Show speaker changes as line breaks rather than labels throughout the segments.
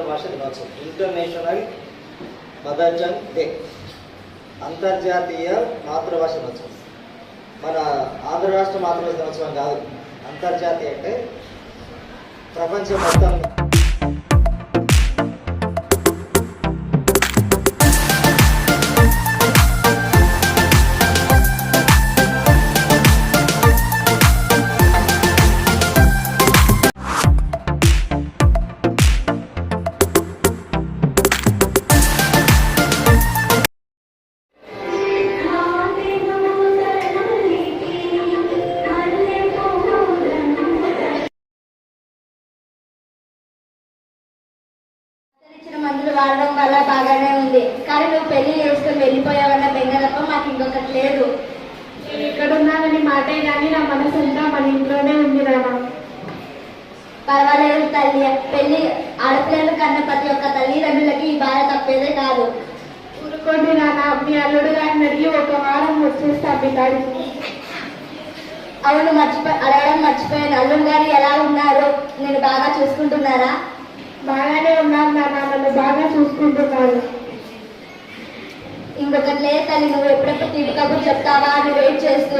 మాతృభాష దినోత్సవం, international mother tongue day, అంతర్జాతీయ మాతృభాష దినోత్సవం. మన ఆంధ్ర రాష్ట్ర మాతృభాష దినోత్సవం కాదు, అంతర్జాతీయ అంటే ప్రపంచం మొత్తం.
మందులు వాడడం వల్ల బాగానే ఉంది, కానీ నువ్వు పెళ్లి చేసుకుని వెళ్ళిపోయావన్న బెంగ తప్ప మాకు ఇంకొకటి లేదు.
నేను ఎక్కడున్నానని మాటే కానీ నా మనసు అంతా మన ఇంట్లోనే ఉంది నాన్న.
పర్వాలేదు తల్లి, పెళ్లి ఆడపిల్లలు కన్న ప్రతి ఒక్క తల్లిదండ్రులకి ఈ బాధ తప్పేదే కాదు.
ఊరుకోండి నాన్న, మీ అల్లుడు గారిని అడిగి ఒక వారం వచ్చేస్తా మీ కాడికి.
అవును, అడగడం మర్చిపోయాను. అల్లుడు గారు ఎలా ఉన్నారు? నేను బాగా చూసుకుంటున్నారా?
బాగానే ఉన్నాను నాన్న, నన్ను బాగా చూసుకుంటున్నాను.
ఇంకొకటి లేదు తల్లి, నువ్వు ఎప్పుడెప్పుడు తీపి కబుర్లు చెప్తావా అని వెయిట్ చేస్తూ.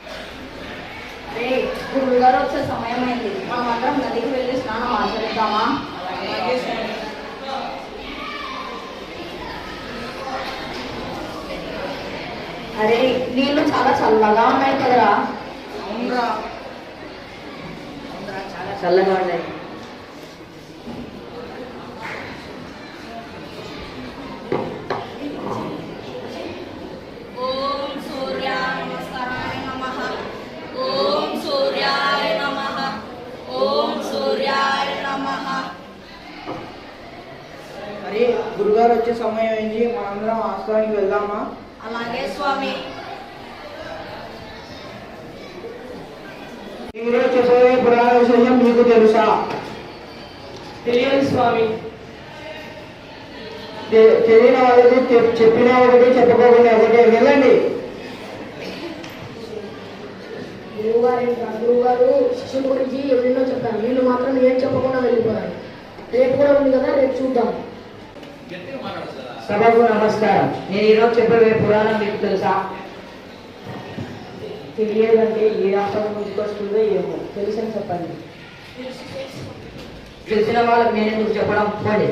గురువు గారు వచ్చే సమయం అయింది, మనం అందరం నదికి వెళ్ళి స్నానం ఆచరిద్దామా? అరే, నీళ్ళు చాలా చల్లగా ఉన్నాయి కదరా? చాలా చల్లగా ఉన్నాయి.
అరే, గురుగారు వచ్చే సమయం అయింది, మనందరం ఆశ్రమానికి వెళ్దామా?
అలాగే స్వామి.
ఈరోజు చెప్పబోయే పురాణ విశేషం మీకు తెలుసా?
తెలియదు స్వామి.
తెలియని వాళ్ళకి చెప్పిన ఒకటి, చెప్పకపోయినా ఒకటి. వెళ్ళండి.
గురువుగారు శిష్యుల గురించి ఎన్నో చెప్పారు, వీళ్ళు మాత్రం ఏం చెప్పకుండా వెళ్ళిపోయారు. రేపు కూడా ఉంది కదా, రేపు చూద్దాం.
సభకు నమస్కారం. నేను ఈరోజు చెప్పబోయే పురాణం మీకు తెలుసా?
తెలియదంటే ఏ రాష్ట్రం నుంచి వస్తుందో ఏమో, తెలుసని చెప్పండి.
తెలిసిన వాళ్ళకి నేను ఎందుకు చెప్పడం? పోండి.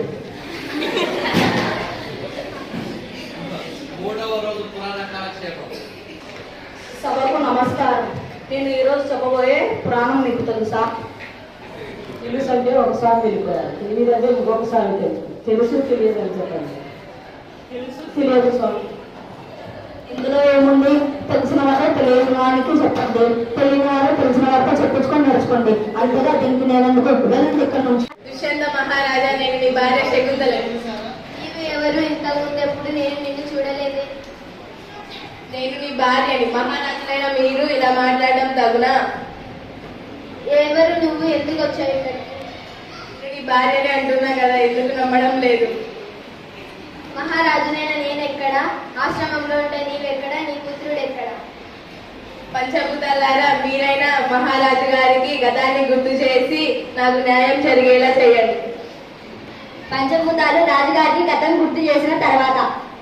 సభకు నమస్కారం. నేను ఈరోజు చెప్పబోయే పురాణం మీకు తెలుసా?
తెలుసు అంటే ఒకసారి వెళ్ళిపోయారు, తెలియదంటే ఇంకొకసారి తెలుసు. తెలుసు తెలియదని చెప్పండి. తెలియదు స్వామి.
ఇందులో ఏముంది? తెలిసిన వారే తెలియని వారికి చెప్పండి, తెలియని వారే తెలిసిన వారితో చెప్పించుకొని నడుచుకోండి. అంతేగా దీనికి నేను ఎందుకు వెళ్ళండి ఇక్కడ నుంచి.
దుష్యంత మహారాజా, నేను నీ భార్య శకుంతల.
నీవు ఎవరు? ఇంతకుముందు ఎప్పుడు నేను నిన్ను చూడలేదే.
నేను నీ భార్యని. మహారాజులైన మీరు ఇలా మాట్లాడడం తగునా?
ఎవరు నువ్వు? ఎందుకు వచ్చావు ఇక్కడికి?
నేను నీ భార్యని అంటున్నా కదా, ఎందుకు నమ్మడం లేదు?
మహారాజునైనా నేను ఎక్కడ? ఆశ్రమంలో ఉంటే నీవెక్కడ? నీ పుత్రుడు ఎక్కడ?
పంచభూతాలారా, మీరైనా మహారాజు గారికి గతాన్ని గుర్తు చేసి నాకు న్యాయం జరిగేలా చేయండి.
పంచభూతాలు రాజుగారికి గతం గుర్తు చేసిన తర్వాత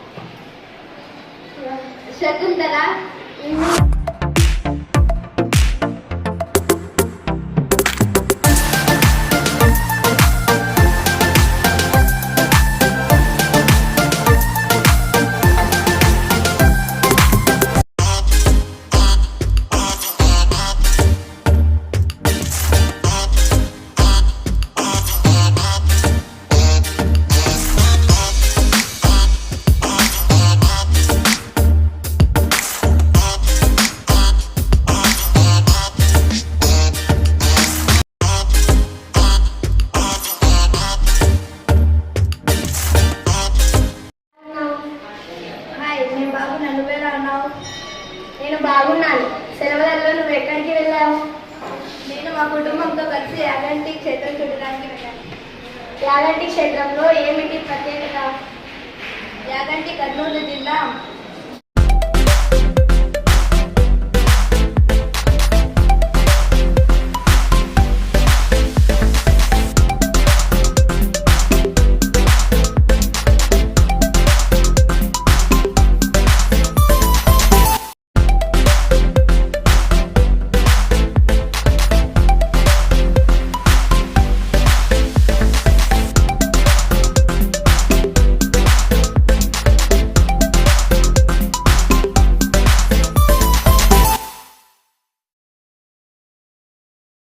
శకుంతల నేను బాగున్నాను. సెలవులలో నువ్వు ఎక్కడికి వెళ్ళావు?
నేను మా కుటుంబంతో కలిసి యాగంటి క్షేత్రం చూడడానికి వెళ్ళాను.
యాగంటి క్షేత్రంలో ఏమిటి ప్రత్యేకత?
యాగంటి కర్నూలు జిల్లా